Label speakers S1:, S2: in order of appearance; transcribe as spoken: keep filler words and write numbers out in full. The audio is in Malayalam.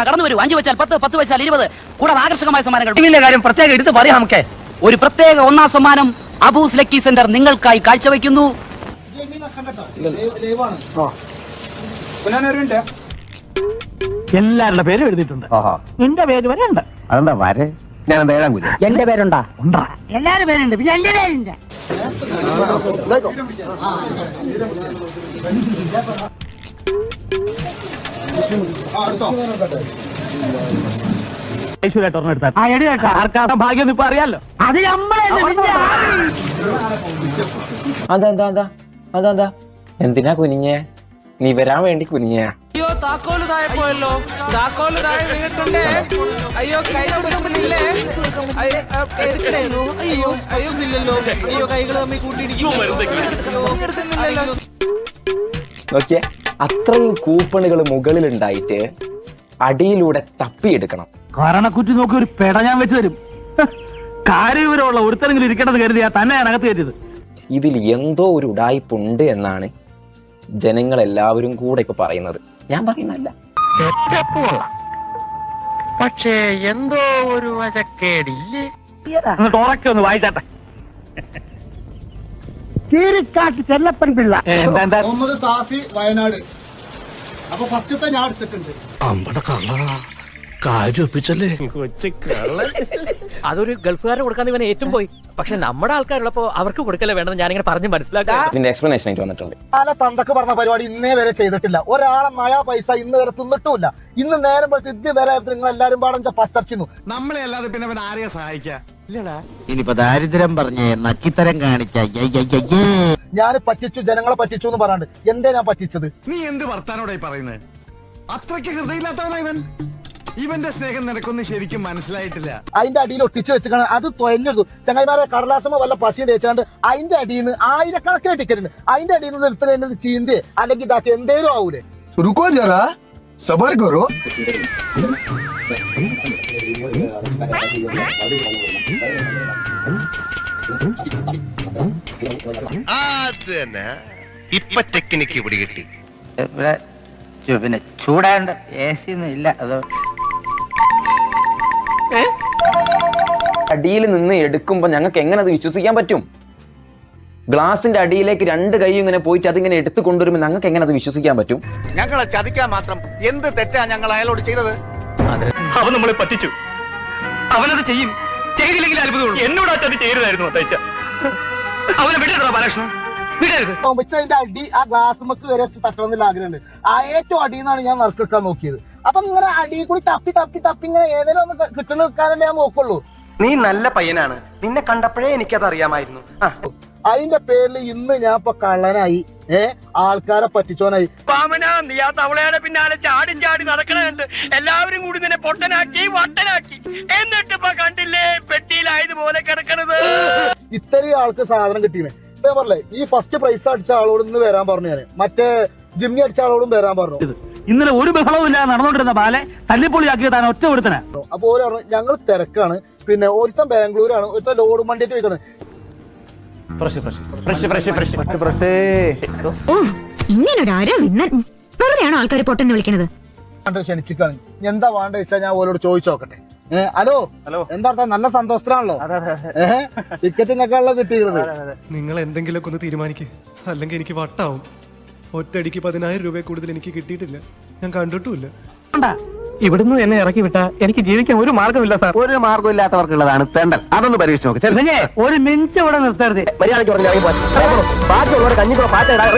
S1: കടന്നു വരൂ. അഞ്ചു വെച്ചാൽ പത്ത്, പത്ത് വെച്ചാൽ ഇരുപത്, കൂടാതെ ആകർഷകമായ സമ്മാനങ്ങൾ.
S2: കാര്യം പ്രത്യേകം എടുത്ത് പറയാം. നമുക്ക്
S1: ഒരു പ്രത്യേക ഒന്നാം സമ്മാനം അബൂസ് ലക്കി സെന്റർ നിങ്ങൾക്കായി കാഴ്ചവെക്കുന്നു.
S3: എല്ലാവരുടെ പേരും എഴുതിയിട്ടുണ്ട്. നിന്റെ പേര് വരെ ഉണ്ട്.
S2: അതെന്താ വരെ? ഞാൻ എന്താ ഏഴാം കുഞ്ഞ്?
S3: എന്റെ പേരുണ്ടാ? ഉണ്ടാ. എല്ലാരും പേരുണ്ട്. പിന്നെ എന്റെ പേരില്ല. ഭാഗ്യം ഇപ്പൊ അറിയാലോ. അത് നമ്മളെ
S2: അതെന്താ എന്താ അതെന്താ എന്തിനാ കുനിഞ്ഞേ? നീ വരാൻ വേണ്ടി കുനിഞ്ഞേ?
S4: അയ്യോ താക്കോല് താഴെ പോയല്ലോ. താക്കോല് താഴെ വീണിട്ടുണ്ടേ. അയ്യോ കൈ കൊടുക്കുന്നില്ലേ? എടുക്കണേന്നു. അയ്യോ അയ്യോ ഇല്ലല്ലോ. അയ്യോ കൈകൾ തമ്മിൽ കൂട്ടിയിടിക്കുന്നില്ലല്ലോ.
S2: നോക്കിയേ, അത്രയും കൂപ്പണുകൾ മുകളിൽ ഉണ്ടായിട്ട് അടിയിലൂടെ തപ്പിയെടുക്കണം.
S3: കാരണക്കുറ്റി നോക്കി ഒരു പെട ഞാൻ വെച്ച് തരും. കാര്യവിവരമുള്ള ഒരുത്തരെങ്കിലും ഇരിക്കണമെന്ന് കരുതിയാ തന്നെ ഞാൻ അകത്ത് കയറ്റിയത്.
S2: ഇതിൽ എന്തോ ഒരു ഉടായ്പുണ്ട് എന്നാണ് ജനങ്ങൾ എല്ലാവരും കൂടെ ഇപ്പൊ പറയുന്നത്. ഞാൻ പറയുന്നല്ല.
S3: പക്ഷേ എന്തോ ഒരു വശക്കേടില്ലേ. ഉറക്കെ ഒന്ന് വായിച്ചാട്ടെ. കീരിക്കാട്ട് ചെല്ലപ്പൻ പിള്ള.
S5: മുഹമ്മദ് സാഫി വയനാട്. അപ്പൊ ഫസ്റ്റത്തെ ഞാൻ എടുത്തിട്ടുണ്ട്.
S4: അതൊരു ഗൾഫുകാരെ കൊടുക്കാൻ ഇവൻ ഏറ്റവും പോയി. പക്ഷെ നമ്മുടെ ആൾക്കാരുള്ളപ്പോ അവർക്ക് കൊടുക്കല്ലേ വേണ്ടെന്ന് ഞാനിങ്ങനെ പറഞ്ഞ് മനസ്സിലാക്കാം.
S2: ഇതിന്റെ എക്സ്പ്ലനേഷൻ ആയിട്ട് വന്നിട്ടുണ്ട്.
S5: പല തന്തക്ക് പറഞ്ഞ പരിപാടി ഇന്നേ വരെ ചെയ്തിട്ടില്ല. ഒരാളെ നയാ പൈസ ഇന്ന് വരെ തിന്നിട്ടുമില്ല. ഇന്ന് നേരം പോലത്തെ ഇത് വരെ നിങ്ങൾ എല്ലാരും പാടം പച്ചർച്ചിരുന്നു.
S6: നമ്മളെ അല്ലാതെ പിന്നെ അവൻ ആരെയാ സഹായിക്കാ?
S3: ഇനിയിപ്പോ ദാരിദ്ര്യം പറഞ്ഞേ നക്കിത്തരം കാണിക്ക.
S5: ഞാൻ പറ്റിച്ചു, ജനങ്ങളെ പറ്റിച്ചു എന്ന് പറയാണ്ട് എന്തേ ഞാൻ പറ്റിച്ചത്?
S6: നീ എന്ത് വർത്താനോടായി പറയുന്നത്? അത്രയ്ക്ക് ഹൃദയമില്ലാത്തവനാ ഇവൻ. ഇവന്റെ സ്നേഹം നിനക്കൊന്നും ശരിക്കും മനസ്സിലായിട്ടില്ല.
S5: അതിന്റെ അടിയിൽ ഒട്ടിച്ചു വെച്ചാണ് അത് തൊയഞ്ഞെടുത്തു. ചങ്ങായിമാരെ കടലാസമ വല്ല പശയും തേച്ചാണ്ട് അതിന്റെ അടിയിൽ നിന്ന് ആയിരക്കണക്കിന് ടിക്കറ്റ് ഉണ്ട്. അതിന്റെ അടിയിൽ നിന്ന് എടുത്തത് ചീന്തി അല്ലെങ്കിൽ ഇതാക്കി എന്തേലും ആവൂലേ?
S7: रुको जरा सबर करो.
S8: ഇപ്പൊ ടെക്നിക്ക് ഇവിടെ കിട്ടി.
S3: പിന്നെ ചൂടാണ്ട് എ സി ഒന്നും ഇല്ല. അതോ
S2: അടിയിൽ നിന്ന് എടുക്കുമ്പോ ഞങ്ങൾക്ക് എങ്ങനെ അത് വിശ്വസിക്കാൻ പറ്റും? ഗ്ലാസിന്റെ അടിയിലേക്ക് രണ്ട് കൈ ഇങ്ങനെ പോയിട്ട് അതിങ്ങനെ എടുത്തു കൊണ്ടുവരുമ്പോൾ ഞങ്ങൾക്ക് എങ്ങനെ അത് വിശ്വസിക്കാൻ പറ്റും?
S8: ഞങ്ങളെ ചതിക്കാൻ മാത്രം എന്ത് തെറ്റാ ഞങ്ങൾ അയാളോട് ചെയ്തത്?
S3: അവൻ നമ്മളെ പറ്റിച്ചു. അവനത് ചെയ്യും. ചെയ്തില്ലെങ്കിൽ അത്ഭുതമുള്ളൂ. എന്നോട് അത് ചെയ്യരുതായിരുന്നു. അവനെ വിടരുതാ ബാലകൃഷ്ണൻ, വിടരുത്.
S5: അതിന്റെ അടി ആ ഗ്ലാസ്മക്ക് വരെ തട്ടണം എന്നുള്ള ആഗ്രഹമുണ്ട്. ആ ഏറ്റവും അടിയിൽ നിന്നാണ് ഞാൻ നറുക്കെടുക്കാൻ നോക്കിയത്. അപ്പൊ ഇങ്ങനെ അടിയിൽ കൂടി തപ്പി തപ്പി തപ്പി ഇങ്ങനെ ഏതെങ്കിലും ഒന്ന് കിട്ടണ എടുക്കാനല്ലേ ഞാൻ നോക്കുള്ളൂ.
S4: നീ നല്ല പയ്യനാണ്. നിന്നെ കണ്ടപ്പോഴേ എനിക്കത് അറിയാമായിരുന്നു.
S5: അതിന്റെ പേരിൽ ഇന്ന് ഞാൻ ഇപ്പൊ കള്ളനായി, ഏ ആൾക്കാരെ പറ്റിച്ചോനായി.
S3: നീ ആ തവളയുടെ പിന്നാലെ ചാടി ചാടി നടക്കണുണ്ട്. എല്ലാവരും കൂടി നിന്നെ പൊട്ടനാക്കി വട്ടനാക്കി. എന്നിട്ട് ഇപ്പൊ കണ്ടില്ലേ പെട്ടിയിലായതുപോലെ കിടക്കണത്.
S5: ഇത്രയും ആൾക്ക് സാധനം കിട്ടിയത് ഇപ്പൊ ഞാൻ പറഞ്ഞേ. ഈ ഫസ്റ്റ് പ്രൈസ് അടിച്ച ആളോട് ഇന്ന് വരാൻ പറഞ്ഞു. ഞാൻ മറ്റേ ജിമ്മി അടിച്ച ആളോടും വരാൻ പറഞ്ഞു.
S3: ഇന്നലെ ഒരു ബഹളവും ഇല്ല നടന്നുകൊണ്ടിരുന്ന ബാലെ തല്ലിപ്പൊളിയാക്കിയ താൻ ഒറ്റ ഒരുത്തന.
S5: അപ്പൊ ഓരോ പറഞ്ഞു ഞങ്ങൾ തിരക്കാണ്. പിന്നെ ഒരുത്തൻ ബാംഗ്ലൂരാണ്, ഒരുത്തൻ ലോഡ് വണ്ടിയിട്ട് പോയിക്കാണ്.
S9: വെറുതെയാണോ ആൾക്കാർ പൊട്ടെന്ന് വിളിക്കണത്?
S5: ക്ഷണിച്ചിക്കാണ്. എന്താ വേണ്ട വെച്ചാൽ ഞാൻ ഓരോട് ചോദിച്ചു നോക്കട്ടെ. ഏഹ് ഹലോ എന്താ നല്ല സന്തോഷത്തിലാണല്ലോ. ഏഹ് ടിക്കറ്റ് നിങ്ങൾക്കാണല്ലോ കിട്ടിയിരുന്നത്.
S6: നിങ്ങൾ എന്തെങ്കിലുമൊക്കെ ഒന്ന് തീരുമാനിക്കുക, അല്ലെങ്കിൽ എനിക്ക് വട്ടാവും. ഒറ്റയടിക്ക് പതിനായിരം രൂപ കൂടുതൽ എനിക്ക് കിട്ടിയിട്ടില്ല. ഞാൻ കണ്ടിട്ടുമില്ല.
S3: ഇവിടുന്ന് എന്നെ ഇറക്കി വിട്ടാ എനിക്ക് ജീവിക്കാൻ ഒരു മാർഗമില്ല സാർ. ഒരു മാർഗമില്ലാത്തവർക്കുള്ളതാണ് തെണ്ടൽ. അതൊന്ന് പരീക്ഷിച്ച് നോക്ക്. ഒരു മിനിറ്റ് ഇവിടെ നിർത്തരുത്. മര്യാദയ്ക്ക് പറഞ്ഞാൽ ബാക്കിയുള്ളവരെ കഞ്ഞിക്കോ പാറ്റ